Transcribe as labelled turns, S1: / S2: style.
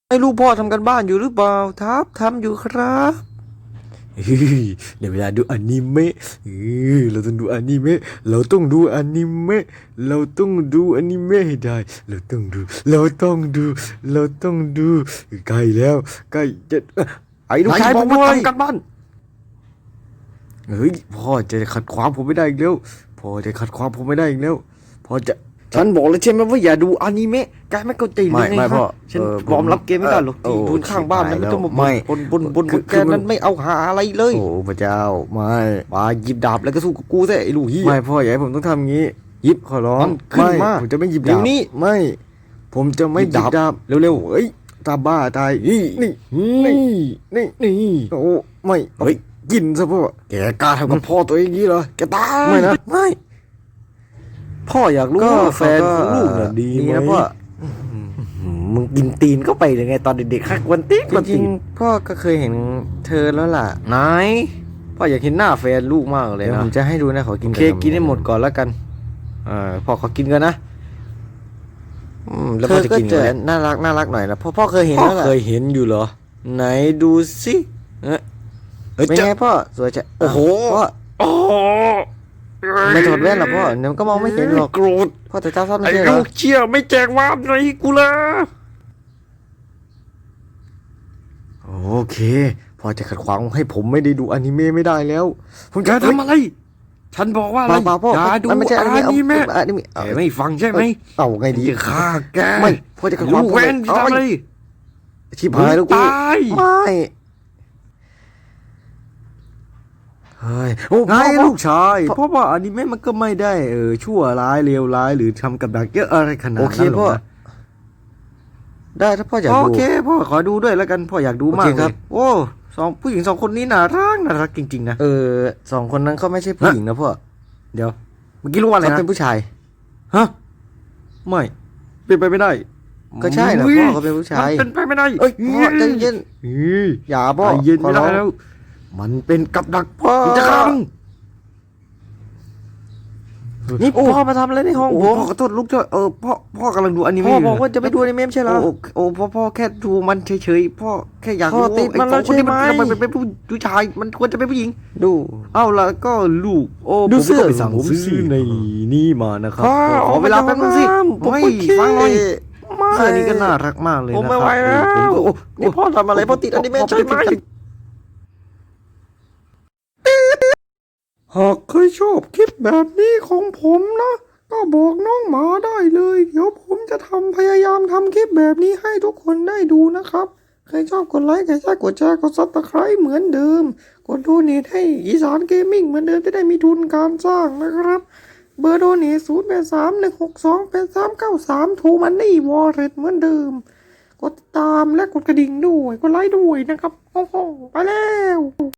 S1: ให้ลูกพ่อทำกันบ้านอยู่หรือเปล่าครับทำอยู่ครับเฮ้ยในเวลาดูอนิเมะเราต้องดูอนิเมะเราต้องดูอนิเมะเราต้องดูอนิเมะให้ได้เราต้องดูเราต้องดูเราต้องดูใกล้แล้วใกล้จะไอ้ลูกชายผมมาทำกันบ้านเฮ้ยพ่อจะขัดขวางผมไม่ได้อีกแล้วพ่อจะขัดขวางผมไม่ได้อีกแล้วพ่อจะฉันบอกแล้วใช่ไหมว่าอย่าดูอนิเมะแกไม่เข้าใจเลยไงพ่อฉันยอมรับเกมไม่ได้หรอกที่ทุนข้างบ้านนั้นไม่ต้องมาบนแกนั้นไม่เอาหาอะไรเลยโอ้พระเจ้าไม่มาหยิบดาบแล้วก็สู้กับกูซะไอ้ลูกเหี้ยไม่พ่ออย่าให้ผมต้องทำงี้หยิบขอร้องขึ้นมาผมจะไม่หยิบดาบนี้ไม่ผมจะไม่หยิบดาบเร็วๆเฮ้ยตาบ้าตายนี่โอ้ไม่เฮ้ยกินซะพ่อแกกล้าทำกับพ่อตัวเองงี้เหรอแกตายไม่นะไม่พ่ออยากรู้ว่าแฟนของลูกน่ะดีไหมพ่อมึงกินตีนเข้าไปเลยไงตอนเด็กๆฮักวันตีนจริงพ่อก็เคยเห็นเธอแล้วล่ะไหนพ่ออยากเห็นหน้าแฟนลูกมากเลยนะผมจะให้ดูนะขอกินกินให้หมดก่อนแล้วกันพ่อขอกินกันนะแล้วพ่อจะกินกันน่ารักหน่อยนะพ่อเคยเห็นแล้วล่ะเคยเห็นอยู่เหรอไหนดูสิเป็นไงพ่อสวยจังโอ้โหไม่ถอดแว่นหรอพ่อเดี๋ยวก็มองไม่เห็นหรอกโกรธพ่อแต่เจ้าชอบไม่ใช่เหรอไอ้ลูกเชี่ยไม่แจกวาดอะไรกูละโอเคพ่อจะขัดขวางให้ผมไม่ได้ดูอนิเมะไม่ได้แล้วผมจะทำอะไรฉันบอกว่าอะไรอย่าดูอนิเมะไม่ฟังใช่ไหมเอาไงดีจะฆ่าแกไม่พ่อจะขัดขวางผมทำอะไรชิบหายแล้วกูไม่เฮ้ยโอ้ไงลูกชายเพราะว่าอนิเมะมันก็ไม่ได้ชั่วร้ายเลวร้ายหรือทำกับดักเยอะอะไรขนาดนั้นหรอกนะได้ถ้าพ่ออยากดูโอเคพ่อขอดูด้วยแล้วกันพ่ออยากดูมากเลยโอ้ผู้หญิง2 คนนี้น่ารักจริงๆนะ2 คนนั้นเขาไม่ใช่ผู้หญิงนะพ่อเดี๋ยวเมื่อกี้รู้ว่าอะไรนะเขาเป็นผู้ชายฮะไม่เป็นไปไม่ได้ก็ใช่นะพ่อเขาเป็นผู้ชายเป็นไปไม่ได้เอ้ยพ่อใจเย็นอย่าพ่อเย็นไม่ได้แล้วมันเป็นกับดักพ่อจะฆ่ามึงนี่พ่อมาทำอะไรในห้องผมพ่อขอโทษลูกด้วยพ่อกำลังดูอนิเมะพ่อบอกว่าจะไปดูอนิเมะไม่ใช่เหรอพ่อแค่ดูมันเฉยๆพ่อแค่อยากรู้ติดมันแล้วใช่ไหมมันเป็นผู้ชายมันควรจะเป็นผู้หญิงดูเอ้าแล้วก็ลูกดูเสื้อผมซื้อในนี่มานะครับขอเวลาแป๊บนึงสิไม่ฟังหน่อยเสื้อนี้ก็น่ารักมากเลยนะครับผมไม่ไหวแล้วนี่พ่อทำอะไรพ่อติดอนิเมะใช่ไหมหากใครชอบคลิปแบบนี้ของผมนะก็บอกน้องหมาได้เลยเดี๋ยวผมจะพยายามทำคลิปแบบนี้ให้ทุกคนได้ดูนะครับใครชอบกดไลค์ใครชอบกดแชร์กดซับสไครต์เหมือนเดิมกดโดเนทให้อีสานเกมมิ่งเหมือนเดิมจะได้มีทุนการสร้างนะครับเบอร์โดเนท0831628393ทูมันนี่วอลเล็ตเหมือนเดิมกดติดตามและกดกระดิ่งด้วยกดไลค์ด้วยนะครับโอ้โหไปแล้ว